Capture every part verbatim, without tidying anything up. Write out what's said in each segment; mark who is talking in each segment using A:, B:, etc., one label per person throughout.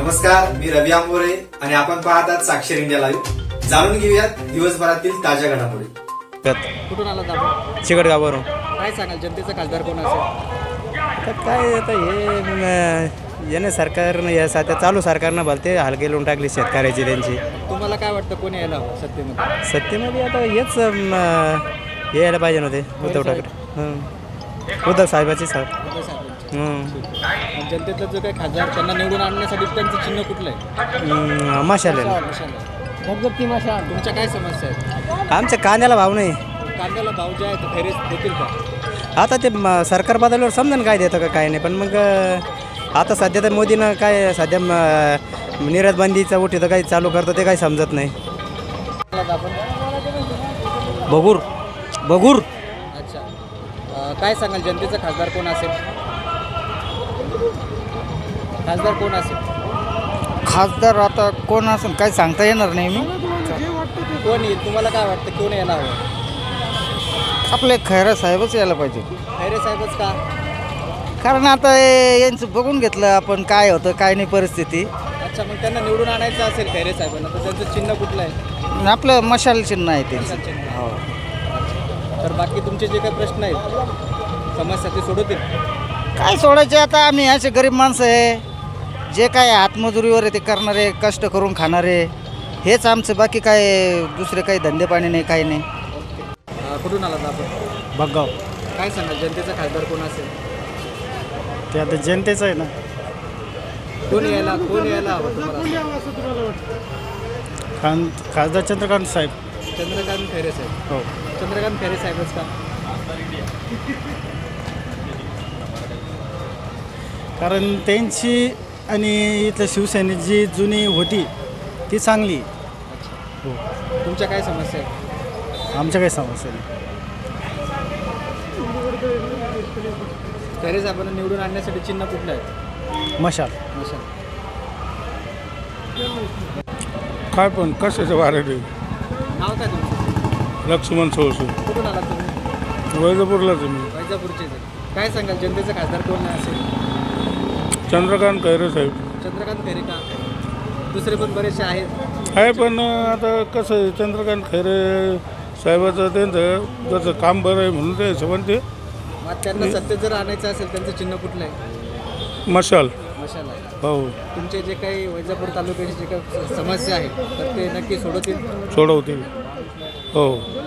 A: नमस्कार, मी रवी आंबोरे आणि आपण पाहतात साक्षर इंडिया लाईव्ह. जाणून घेऊयात दिवसभरातील ताज्या घडामोडी.
B: कुठून आलात आपण?
C: चिकटगाववरून.
B: काय सांगाल, जनतेचा खासदार कोण असेल?
C: तर काय आता हे याने सरकारनं या सध्या चालू सरकारनं भलते हलके लावून टाकले शेतकऱ्याची त्यांची.
B: तुम्हाला काय वाटतं कोण यायला हवं सत्तेमध्ये?
C: सत्तेमध्ये आता हेच अं, हे यायला पाहिजे नव्हते उद्धव ठाकरे. हं. उद्धव साहेबाची साहेब.
B: उद्धव साहेबांचे.
C: हं.
B: आणि जनतेतलं जो काही खासदार त्यांना निवडून आणण्यासाठी त्यांचं चिन्ह कुठलं आहे?
C: हं, मशाल आहे.
B: धगधगती मशाल. तुमच्या काय समस्या आहेत?
C: आमच्या कांद्याला भाव नाही.
B: कांद्याला भाव जे आहे ते फेरेस देतील का?
C: आता ते म- सरकार बदलल्यावर समजा काय देतं का काय नाही, पण मग अं, आता सध्या तर मोदीनं काय सध्या म- निर्यात बंदीचा उठीचं काही चालू करतं ते काही समजत नाही.
B: आलात आपण?
C: बघूर बघूर
B: अच्छा. अं, काय सांगाल, जनतेचा खासदार कोण असेल? खासदार कोण असेल?
D: खासदार आता कोण असेल काय सांगता येणार नाही मी.
B: कोण येईल? तुम्हाला काय वाटतं कोण यायला हवं?
D: आपले खैरा साहेबच यायला पाहिजे,
B: खैरे साहेबच का?
D: कारण आता हे यांचं बघून घेतलं आपण काय होतं काय नाही परिस्थिती.
B: अच्छा, मग त्यांना निवडून आणायचं असेल खैरे साहेबांना, तर त्यांचं चिन्ह कुठलं आहे?
D: आपलं मशाल चिन्ह आहे त्यांचं.
B: मशाल चिन्ह.
D: हो.
B: तर बाकी तुमचे जे काही प्रश्न आहेत, समस्या ते सोडवतील?
D: काय सोडायचे आता, आम्ही असे गरीब माणसं आहे, जे काय हातमजुरीवर आहे ते करणारे, कष्ट करून खाणारे, हेच आमचं. बाकी काय दुसरे काही धंदे पाणी नाही, काही नाही.
B: अं, कुठून आलात आपण?
C: बघाव.
B: काय सांगाल, जनतेचा खासदार कोण असेल?
C: ते आता जनतेचं आहे ना.
B: कोण यायला कोण यायला हवं तुम्हाला?
C: खान खासदार चंद्रकांत साहेब.
B: चंद्रकांत खैरे साहेब.
C: हो.
B: चंद्रकांत खैरे साहेबच का?
C: कारण त्यांची आणि इथल्या शिवसेनेची जी जुनी होती ती चांगली. हो.
B: तुमच्या काय समस्या आहेत?
C: आमच्या काही समस्या नाही.
B: खैरे साहेबांना निवडून आणण्यासाठी चिन्ह कुठलं आहे?
C: मशाल.
B: मशाल.
E: काय पण कशाचं वारं
B: नाव काय तुमचं?
E: लक्ष्मण सोळसू
B: कुठून आलात तुम्ही?
E: वैजापूरलाच आहे मी.
B: वैजापूरचे आहेत. काय सांगाल, जनतेचा खासदार कोण असेल?
E: चंद्रकांत खैरे साहेब
B: चंद्रकांत खैरे का? दुसरे पण बरेचसे आहेत.
E: आहे, पण आता कसं आहे, चंद्रकांत खैरे साहेबाचं त्यांचं जसं काम बरं आहे म्हणून ते हिशोबाने ते
B: मग त्यांना सत्तेत जर आणायचं असेल, त्यांचं चिन्ह कुठलं आहे?
E: मशाल.
B: मशाल आहे.
E: हो,
B: तुमचे जे काही वैजापूर तालुक्याची जे काही समस्या आहे तर ते नक्की सोडवतील?
E: सोडवतील. हो.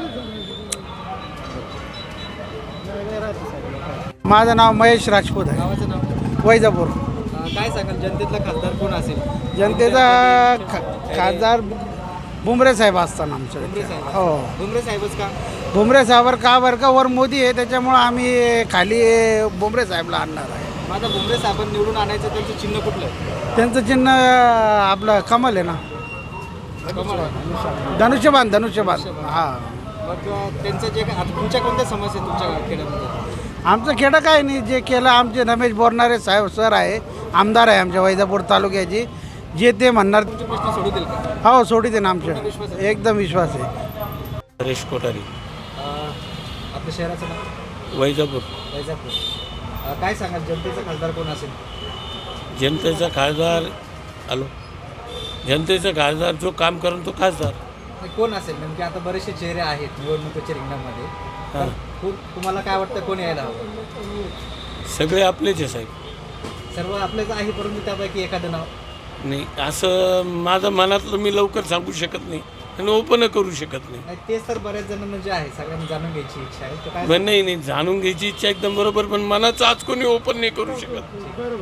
D: माझं नाव महेश राजपूत आहे,
B: गावाचं नाव?
D: वैजापूर.
B: अं, काय सांगाल, जनतेतला खासदार कोण असेल?
D: जनतेचा खा खासदार भुमरे साहेब असताना
B: भुमरे
D: आमच्या.
B: साहेब.
D: हो.
B: भुमरे साहेबच का?
D: भुमरे साहेबावर का बरं का वर मोदी आहे त्याच्यामुळं आम्ही खाली भुमरे साहेबला आणणार आहे.
B: माझा भुमरे साहेबांना निवडून आणायचं, त्यांचं चिन्ह कुठलं आहे?
D: त्यांचं चिन्ह आपलं कमल आहे ना,
B: कमळ आहे.
D: धनुष्यबाण धनुष्यबाण. हां.
B: मग अं, त्यांचं जे काय आता तुमच्या कोणत्या समस्या आहेत तुमच्या खेड्यामध्ये?
D: आमचं खेडं काय नाही, जे केलं आमचे रमेश बोरणारे साहेब सर आहे, आमदार आहे आमच्या वैजापूर तालुक्याची, जे ते म्हणणार
B: तुमचे प्रश्न सोडवतील का?
D: हो सोडित ना आमच्या. एकदम विश्वास आहे.
E: हरेश कोठारी,
B: अं, आपल्या शहराचं नाव?
E: वैजापूर.
B: वैजापूर. अं, काय सांगाल, जनतेचा खासदार कोण असेल?
F: जनतेचा खासदार आलो जनतेचा खासदार जो काम करून तो खासदार.
B: नाही, कोण असेल नेमके? आता बरेचसे चेहरे आहेत निवडणुकीच्या रिंगणामध्ये. तर
F: हां.
B: खूप तुम्हाला काय वाटतं कोण यायला हवं?
F: सगळे आपलेच आहे साहेब.
B: सर्व आपलेच आहे, परंतु त्यापैकी एखादं नाव?
F: नाही, असं माझं मनातलं मी लवकर सांगू शकत नाही आणि ओपन करू शकत नाही.
B: नाही, तेच तर बऱ्याच जण म्हणजे आहे, सगळ्यांनी जाणून घ्यायची इच्छा आहे. तर काय
F: पण नाही नाही जाणून घ्यायची इच्छा एकदम बरोबर, पण मनाचं आज कोणी ओपन नाही करू शकत.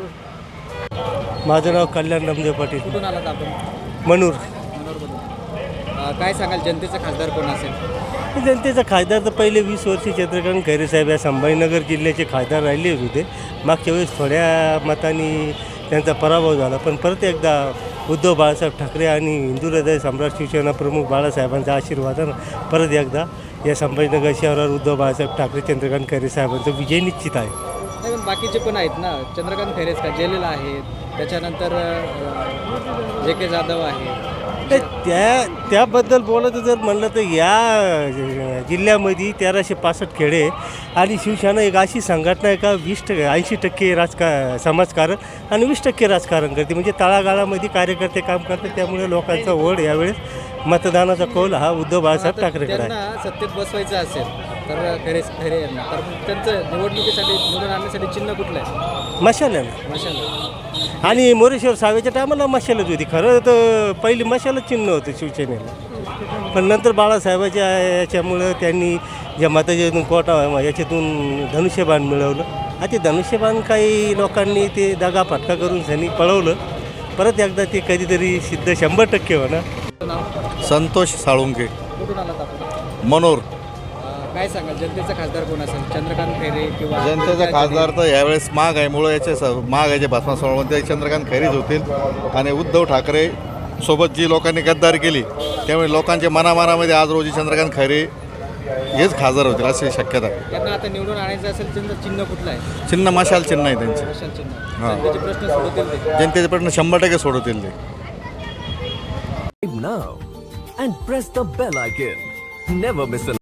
C: माझं नाव कल्याण रामदेव पाटील,
B: कुठून आलात आपण?
C: मनूर.
B: मनोरमधून. अं, काय सांगाल, जनतेचा खासदार कोण असेल?
G: जनतेचा खासदार तर पहिले वीस वर्ष चंद्रकांत खैरे साहेब या संभाजीनगर जिल्ह्याचे खासदार राहिले होते. मागच्या वेळेस थोड्या मतांनी त्यांचा पराभव झाला, पण परत एकदा उद्धव बाळासाहेब ठाकरे आणि हिंदू हृदय सम्राट शिवसेना प्रमुख बाळासाहेबांचा आशीर्वादानं परत एकदा या संभाजीनगर शहरावर उद्धव बाळासाहेब ठाकरे चंद्रकांत खैरे साहेबांचा विजय निश्चित आहे.
B: नाही, पण बाकीचे पण आहेत ना, चंद्रकांत खैरेच का, जेलेला आहेत, त्याच्यानंतर अं, जे के जाधव आहे, पक्ष
G: त्या त्याबद्दल बोलायचं जर म्हणलं तर या जिल्ह्यामध्ये तेराशे पासष्ट खेडे आणि शिवसेना एक अशी संघटना आहे का वीस टक्के ऐंशी टक्के राजका समाजकारण आणि वीस टक्के राजकारण करते, म्हणजे तळागाळामध्ये कार्यकर्ते काम करतात. त्यामुळे लोकांचा ओढ यावेळेस मतदानाचा कौल हा उद्धव बाळासाहेब ठाकरेकडे आहे.
B: त्यांना सत्तेत बसवायचं असेल तर खरे खरे यांना तर मग त्यांचं निवडणुकीसाठी निवडून आणण्यासाठी चिन्ह कुठलं आहे?
G: मशाल्यानं
B: मशाल.
G: आणि मोरेश्वर सावेच्या टायमाला मशालच होती. खरं तर पहिली मशालच चिन्ह होतं शिवसेनेला, पण नंतर बाळासाहेबाच्या याच्यामुळं त्यांनी ज्या मताच्यातून कोटा याच्यातून धनुष्यबाण मिळवलं. आणि ते धनुष्यबाण काही लोकांनी ते दगा फटका करून सनी पळवलं. परत एकदा ते कधीतरी सिद्ध शंभर टक्के होणार.
B: नाव
H: संतोष साळुंके,
B: कुठून आलात आपण?
H: मनोर.
B: अं, काय सांगाल जनतेचा खासदार कोण असेल? चंद्रकांत खैरे किंवा
H: जनतेचा खासदार तर यावेळेस महागाईमुळं याचे स महागाईचे भस्मा सोडवून ते चंद्रकांत खैरेच होतील. आणि उद्धव ठाकरे सोबत जी लोकांनी गद्दारी केली त्यामुळे लोकांच्या मनामनामध्ये आज रोजी चंद्रकांत खैरे हेच खासदार होतील अशी शक्यता आहे.
B: त्यांना आता निवडून आणायचं असेल चिन्ह चिन्ह कुठलं आहे?
H: चिन्ह मशाल चिन्ह आहे त्यांचे.
B: मशाल चिन्ह.
H: हां.
B: जनतेचे प्रश्न सोडवतील ते.
H: जनतेचे प्रश्न शंभर टक्के सोडवतील ते.
I: now and press the bell icon. Never miss an